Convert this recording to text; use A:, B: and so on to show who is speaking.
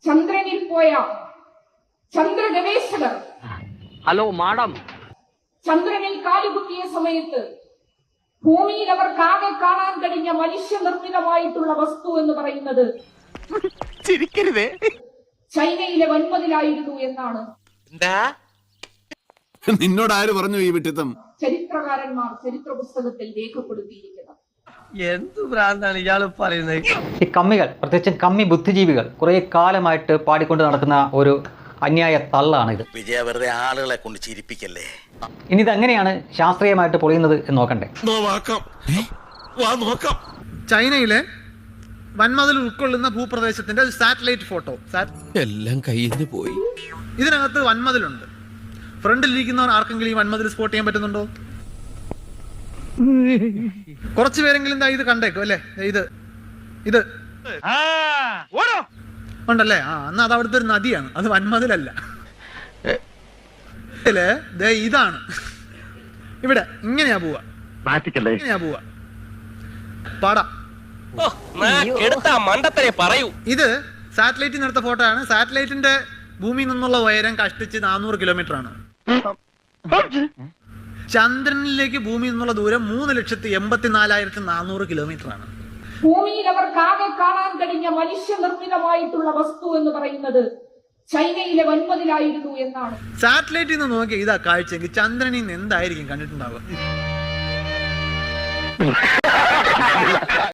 A: ചന്ദ്രനിൽ പോയ ചന്ദ്ര ഗവേഷകർ
B: ഹലോ മാഡം
A: ചന്ദ്രനിൽ കാലുകുത്തിയ സമയത്ത് ഭൂമിയിൽ അവർക്കാകെ കാണാൻ കഴിഞ്ഞ മനുഷ്യനിർമ്മിതമായിട്ടുള്ള വസ്തു എന്ന് പറയുന്നത്
C: ചിരിക്കരുതേ
A: ചൈനയിലെ വൻമതിലായിരുന്നു എന്നാണ്
D: നിന്നോട് ആര് പറഞ്ഞു ഈ വിട്ടിത്തം?
A: ചരിത്രകാരന്മാർ ചരിത്ര പുസ്തകത്തിൽ രേഖപ്പെടുത്തിയിരിക്കുന്നത്.
B: എന്ത് ഭ്രാന്താണ് ഇയാള് പറയുന്നത്?
E: ഈ കമ്മികൾ, പ്രത്യേകിച്ചും കമ്മി ബുദ്ധിജീവികൾ കുറെ കാലമായിട്ട് പാടിക്കൊണ്ട് നടക്കുന്ന ഒരു അന്യായ തള്ളാണ് ഇത്.
C: വിജയ വെറുതെ ആളുകളെ കൊണ്ട് ചിരിപ്പിക്കല്ലേ.
E: ഇനി ഇതെങ്ങനെയാണ് ശാസ്ത്രീയമായിട്ട് പൊളിയുന്നത് എന്ന് നോക്കണ്ടേ?
F: ചൈനയിലെ വൻമതിൽ ഉൾക്കൊള്ളുന്ന ഭൂപ്രദേശത്തിന്റെ സാറ്റലൈറ്റ് ഫോട്ടോ.
D: എല്ലാം കയ്യിൽ നിന്ന് പോയി.
F: ഇതിനകത്ത് വൻമതിലുണ്ട്. ഫ്രണ്ടിലിരിക്കുന്നവർ ആർക്കെങ്കിലും ഈ വൻമതിൽ സ്പോട്ട് ചെയ്യാൻ പറ്റുന്നുണ്ടോ? കുറച്ചു പേരെങ്കിലും ഇത് കണ്ടേക്കും അല്ലേ? ഇത് ഉണ്ടല്ലേ? എന്നാ അത് അവിടുത്തെ ഒരു നദിയാണ്, അത് വൻമതിലല്ല. ഇതാണ് ഇവിടെ ഇങ്ങനെയാ പോവാ, ഇങ്ങനെയാ പോവാ. പാടാ ഇത് സാറ്റലൈറ്റിൽ നിന്ന് എടുത്ത ഫോട്ടോ ആണ്. സാറ്റലൈറ്റിന്റെ ഭൂമിയിൽ നിന്നുള്ള ഉയരം കഷ്ടിച്ച് 400 കിലോമീറ്റർ ആണ്. ചന്ദ്രനിലേക്ക് ഭൂമിയിൽ നിന്നുള്ള ദൂരം 3,84,400 കിലോമീറ്റർ ആണ്.
A: ഭൂമിയിൽ അവർക്കാകെ കാണാൻ കഴിഞ്ഞ മനുഷ്യനിർമ്മിതമായിട്ടുള്ള വസ്തു എന്ന് പറയുന്നത് ചൈനയിലെ വൻമതിലായിരുന്നു എന്നാണ്.
F: സാറ്റലൈറ്റിൽ നിന്ന് നോക്കിയാൽ ഇതാ കാഴ്ചയെങ്കിൽ ചന്ദ്രനിൽ നിന്ന് എന്തായിരിക്കും കണ്ടിട്ടുണ്ടാവുക?